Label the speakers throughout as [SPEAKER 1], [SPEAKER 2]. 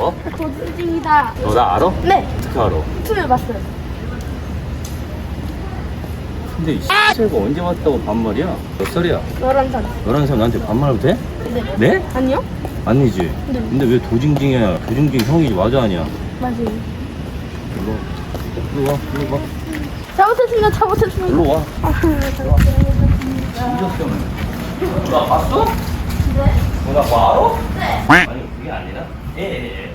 [SPEAKER 1] 뭐?
[SPEAKER 2] 도둑입니다.
[SPEAKER 1] 너 나 알아?
[SPEAKER 2] 네.
[SPEAKER 1] 어떻게 알아?
[SPEAKER 2] 유튜브에 봤어요.
[SPEAKER 1] 근데 이 X가 언제 왔다고 반말이야? 몇 살이야?
[SPEAKER 2] 11살.
[SPEAKER 1] 11살 나한테 반말해도 돼?
[SPEAKER 2] 네.
[SPEAKER 1] 네?
[SPEAKER 2] 아니요?
[SPEAKER 1] 아니지?
[SPEAKER 2] 네.
[SPEAKER 1] 근데 왜 도징징이야? 도징징 형이지 맞아 아니야?
[SPEAKER 2] 맞아요.
[SPEAKER 1] 일로 와 일로 와
[SPEAKER 2] 잘못했습니다. 잘못했습니다.
[SPEAKER 1] 일로 와
[SPEAKER 2] 잘못했습니다.
[SPEAKER 1] 나 봤어?
[SPEAKER 2] 네.
[SPEAKER 1] 나 뭐 알아?
[SPEAKER 2] 네.
[SPEAKER 1] 아니 그게 아니라 예.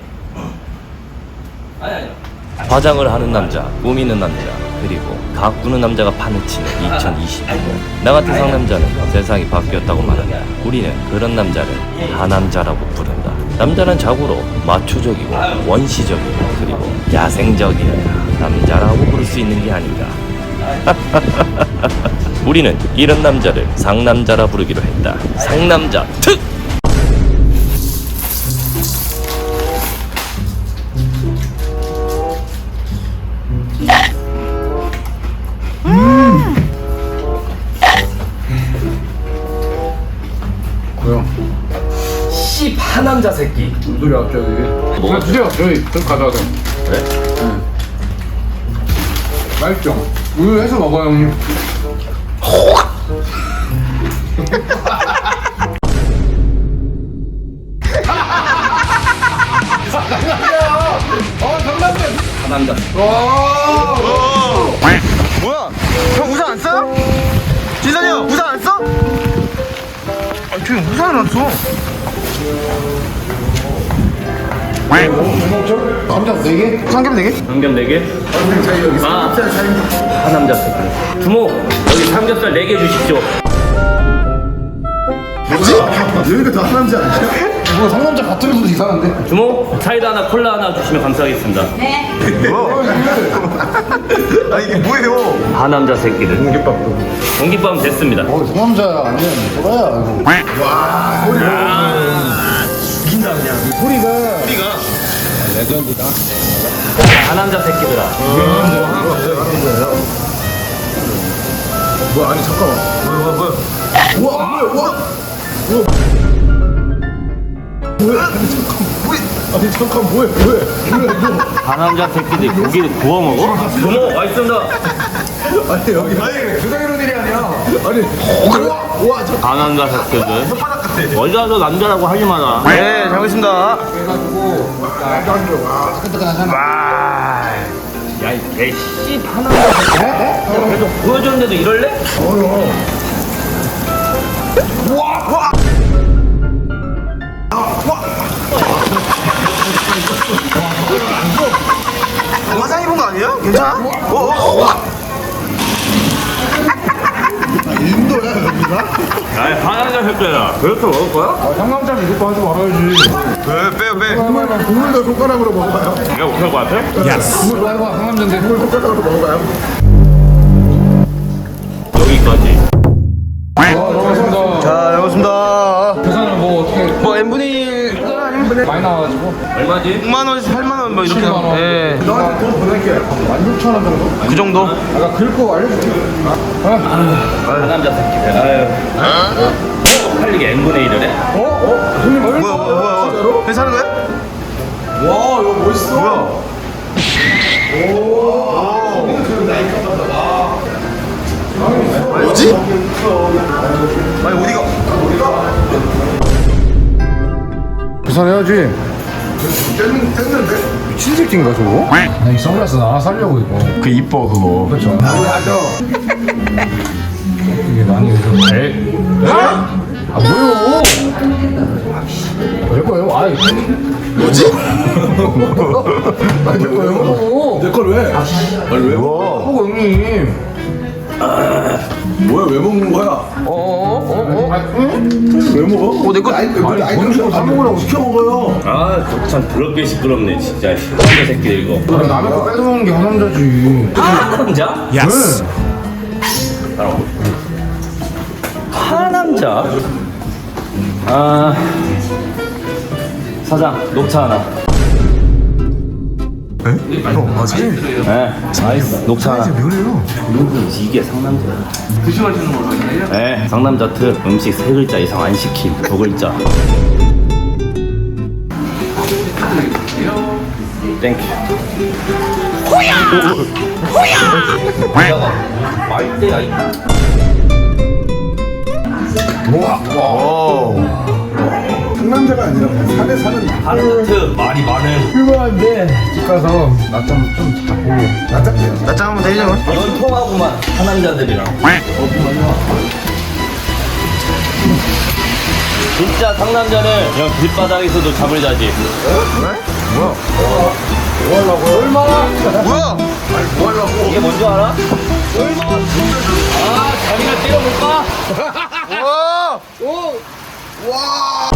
[SPEAKER 1] 아니 화장을 하는 남자, 꾸미는 남자, 그리고 가꾸는 남자가 판을 치는 2022년. 나 같은 상남자는 세상이 바뀌었다고 말한다. 우리는 그런 남자를 하남자라고 부른다. 남자는 자고로 마초적이고 원시적이고 그리고 야생적이어야 남자라고 부를 수 있는 게 아닌가. 우리는 이런 남자를 상남자라 부르기로 했다. 상남자 특!
[SPEAKER 3] 뭐야?
[SPEAKER 1] 씨 파남자 새끼.
[SPEAKER 3] 무슨 소리야 갑자기?
[SPEAKER 1] 뭐?
[SPEAKER 3] 주세요. 저희 가져가세요.
[SPEAKER 1] 그래?
[SPEAKER 3] 맛있죠? 우유 해서 먹어요 형님.
[SPEAKER 1] 파남자.
[SPEAKER 4] 뭐야? 형 우산 안 써요? 진선이 형 우산 안 써? 아, 저 우산을 안 써.
[SPEAKER 3] 감자 4개?
[SPEAKER 4] 삼겹 4개?
[SPEAKER 1] 삼겹 4개?
[SPEAKER 3] 저희 여기
[SPEAKER 1] 아.
[SPEAKER 3] 삼겹살 차입니다.
[SPEAKER 1] 파남자 새끼. 주모 여기 삼겹살 4개 주십시오.
[SPEAKER 3] 뭐지? 여기가 다 상남자 아니야? 뭐 상남자 같은 것도 이상한데?
[SPEAKER 1] 주모 사이다 하나 콜라 하나 주시면 감사하겠습니다.
[SPEAKER 4] 아 이게 뭐예요?
[SPEAKER 1] 파남자 새끼들.
[SPEAKER 3] 공깃밥도.
[SPEAKER 1] 공깃밥 됐습니다.
[SPEAKER 3] 상남자 아니야 뭐야 이거. 와
[SPEAKER 4] 죽인다 그냥.
[SPEAKER 3] 소리가 레전드다.
[SPEAKER 1] 파남자 새끼들아.
[SPEAKER 3] 뭐야 아니 잠깐만.
[SPEAKER 4] 뭐야?
[SPEAKER 3] 우와 뭐야 아니 잠깐 뭐해
[SPEAKER 1] 파남자 새끼들 고기를 구워 먹어? 주모 맛있습니다.
[SPEAKER 3] 아니 여기 주상이런 일이 아니야. 아니 우와
[SPEAKER 1] 파남자 새끼들. 어디 가서 남자라고 하지 마라.
[SPEAKER 4] 네, 잘 먹겠습니다.
[SPEAKER 3] 해가지고 와 따끈따끈하잖아.
[SPEAKER 1] 야이 개씨 파남자 새끼. 야 계속 보여줬는데도 이럴래?
[SPEAKER 4] 화상 입은 거 아니에요? 괜찮아?
[SPEAKER 3] 인도야 여기가?
[SPEAKER 1] 야이 파남자 새끼들아. 그렇게 먹을 거야?
[SPEAKER 3] 상남자는 이것도 하지 말아야지.
[SPEAKER 4] 네, 빼요.
[SPEAKER 3] 정말 국물도 손가락으로 먹어봐요.
[SPEAKER 1] 내가 못할 것 같아?
[SPEAKER 3] 국물 말고 상남자인데 국물 손가락으로 먹어봐요.
[SPEAKER 1] 여기까지.
[SPEAKER 3] 고맙습니다.
[SPEAKER 4] 자, 잘 먹겠습니다.
[SPEAKER 3] 계산은 뭐 어떻게
[SPEAKER 4] 뭐 n분의 1
[SPEAKER 3] 많이 나와가지고
[SPEAKER 1] 얼마지?
[SPEAKER 4] 6만원에서 8만원 뭐 이렇게
[SPEAKER 3] 7만 원.
[SPEAKER 4] 네.
[SPEAKER 3] 너한테 돈 보낼게. 16,000원 정도?
[SPEAKER 4] 그 정도?
[SPEAKER 3] 아까 긁고 알려줄게.
[SPEAKER 1] 파남자 새끼들. 아유. 팔리게 n분의 1을 해?
[SPEAKER 3] 손님
[SPEAKER 4] 뭐야?
[SPEAKER 3] 진짜로?
[SPEAKER 4] 괜찮은 거야?
[SPEAKER 3] 와 이거 멋있어.
[SPEAKER 4] 뭐야? 뭐지? 아니 어디가?
[SPEAKER 3] 계산해야지. 뗐는데? 미친 새끼인가 저거? 나이 선글라스 하나 살려고 이거. 그 이뻐 그거. 그렇죠. 맞아. 이게 많이 요즘 에? 아 뭐요? 내 거예요? 아
[SPEAKER 4] 뭐지?
[SPEAKER 3] 내 거예요? 내 걸 왜? 아니 왜 먹어? 먹어 형님.
[SPEAKER 5] 뭐야 왜 먹는 거야? 왜 먹어?
[SPEAKER 4] 내 거.
[SPEAKER 3] 아니 돈 주고 사 먹으라고
[SPEAKER 5] 시켜 먹어요.
[SPEAKER 1] 아, 참 더럽게 시끄럽네, 진짜. 파남자 새끼들 이거.
[SPEAKER 3] 남의 거 뺏어먹는 게 화남자지.
[SPEAKER 1] 파남자?
[SPEAKER 3] 예스.
[SPEAKER 1] 따라오고. 파남자? 아, 사장, 녹차 하나.
[SPEAKER 4] 맞지?
[SPEAKER 1] 네, 아이스, 녹차 하나.
[SPEAKER 4] 그래요?
[SPEAKER 1] 이게 상남자야. 드셔가시는 걸로 하세요? 네, 상남자 특 음식 3글자 이상 안 시킴. 2글자. 땡큐. 호야! 호야! 말대야 이.
[SPEAKER 5] 상남자가 아니라 그냥 산에 사는
[SPEAKER 1] 하르트 말이 많은.
[SPEAKER 3] 그거한데 집 가서 낮잠 좀 자고
[SPEAKER 4] 낮잠 한번 되죠?
[SPEAKER 1] 이건 통하구만 하남자들이랑. 진짜 상남자는 그냥 길바닥에서도 잠을 자지.
[SPEAKER 4] 뭐야?
[SPEAKER 1] 이게 뭔지 알아? 아, 자기가 때려볼까?
[SPEAKER 4] 와! 오! 와!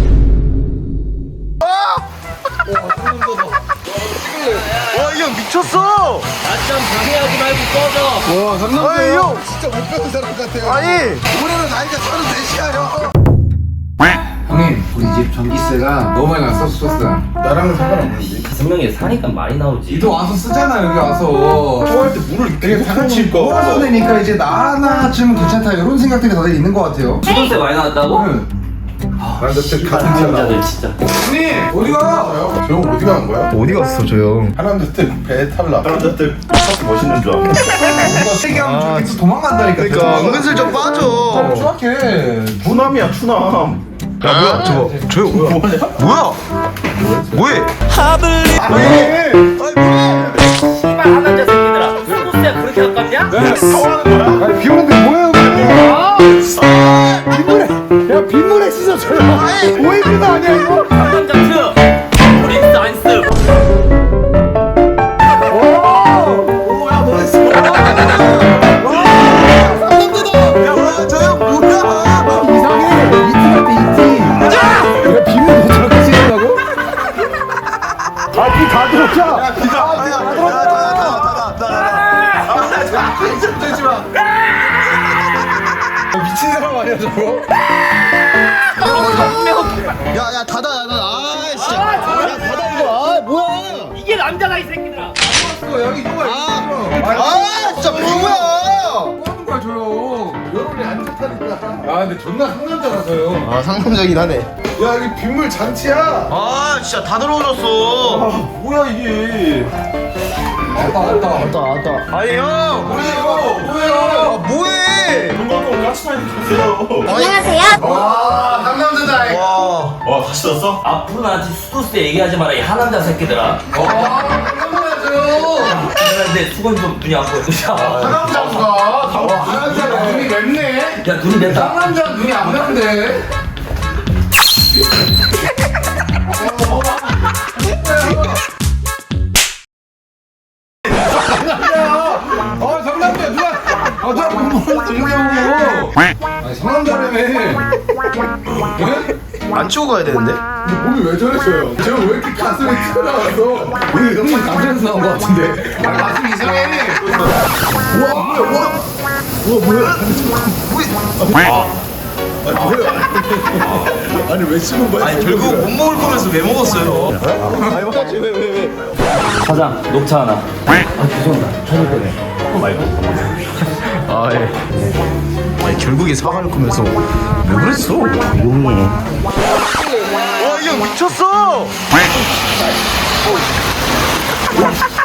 [SPEAKER 4] 와, 이 형 미쳤어!
[SPEAKER 1] 낮잠 방해하지 말고 꺼져.
[SPEAKER 5] 와 상남자
[SPEAKER 4] 아니, 형!
[SPEAKER 5] 진짜 못 배운 사람 같아요.
[SPEAKER 4] 아니!
[SPEAKER 5] 올해는 나이가 34이야 형.
[SPEAKER 3] 형님 우리 집 전기세가 너무 많이 나서 썼어.
[SPEAKER 5] 나랑은 상관없는데.
[SPEAKER 1] 5명이 사니까 많이 나오지.
[SPEAKER 3] 니도 와서 쓰잖아 여기 와서.
[SPEAKER 5] 좋아할 때 물을
[SPEAKER 3] 되게
[SPEAKER 5] 같이
[SPEAKER 3] 모아서 내니까 이제 나 하나쯤은 괜찮다 이런 생각들이 다들 있는 것 같아요.
[SPEAKER 1] 수도세 많이 나왔다고?
[SPEAKER 5] 남자 때 같은 티 나와.
[SPEAKER 1] 상남자들 진짜.
[SPEAKER 3] 형님 어디 가?
[SPEAKER 5] 저 형 어디 가는 거야?
[SPEAKER 4] 어디 갔어, 저 형?
[SPEAKER 5] 하남자 때 탈락. 하남자 때 멋있는 줄 알아.
[SPEAKER 3] 뭔가 세게 하면 저기 도망간다니까.
[SPEAKER 4] 그러니까 은근슬쩍 빠져.
[SPEAKER 3] 추악해.
[SPEAKER 5] 추남이야 추남.
[SPEAKER 4] 야, 뭐야, 저 형, 뭐야? 뭐해?
[SPEAKER 5] 왜?
[SPEAKER 1] 씨발 하남자 새끼들아. 수도세가 그렇게 아깝냐?
[SPEAKER 5] 사와는 거야?
[SPEAKER 3] 아니 비 오는데 뭐예요? 빗물에 야 빗물에 씻어줘요. 오이비도 아니야 이거.
[SPEAKER 1] 상남자 트. 프린스 안스.
[SPEAKER 3] 이상해. 이티 같아 이티. 야 빗물에 저렇게 씻는다고? 아비다 들었자. 미친 사람 아니야 저거?
[SPEAKER 4] 야, 닫아. 아, 진짜. 야, 닫아, 이거. 아, 뭐야.
[SPEAKER 1] 이게 남자다 이 새끼들아.
[SPEAKER 3] 여기 누가
[SPEAKER 4] 아, 진짜 뭐야.
[SPEAKER 3] 뭐 하는 거야 저요? 여론이 안 좋다니까. 아 근데 존나 상남자라서요.
[SPEAKER 4] 아, 상남자긴 하네.
[SPEAKER 5] 야 여기 빗물 잔치야.
[SPEAKER 4] 아, 진짜 다 들어오셨어.
[SPEAKER 5] 뭐야 이게?
[SPEAKER 3] 왔다.
[SPEAKER 4] 아니, 형.
[SPEAKER 3] 뭐야 이거? 뭐야?
[SPEAKER 4] 아, 뭐해.
[SPEAKER 5] 동방동 같이 많이 주세요.
[SPEAKER 2] 안녕하세요.
[SPEAKER 3] 와 상남자다.
[SPEAKER 4] 와.
[SPEAKER 5] 같이 썼어?
[SPEAKER 1] 앞으로 나한테 수도세 얘기하지 마라 이 하남자 새끼들아.
[SPEAKER 3] 상남자죠.
[SPEAKER 1] 근데 수건 좀 눈이 안 보여.
[SPEAKER 3] 상남자가 상남자가 눈이 맵네.
[SPEAKER 1] 야 눈이 맵다.
[SPEAKER 3] 상남자 눈이 안 맵네. 아 상남자 누가 누가 뭘 들냐고. 아니 상남자라며. 네?
[SPEAKER 4] 안 치고 가야 되는데?
[SPEAKER 3] 몸이 왜 저랬어요? 제가 왜 이렇게 가슴이 튀어나와서 오늘 형님 감정에서 나온 것 같은데. 아 가슴 이상해.
[SPEAKER 5] 아니 왜 씹은 거야?
[SPEAKER 4] 아니, 결국 못 먹을 거면서 왜 먹었어요?
[SPEAKER 1] 사장 녹차 하나.
[SPEAKER 4] 아, 예. 아니, 결국에 사과를 거면서 왜 그랬어? 용해. 와, 이 형 미쳤어!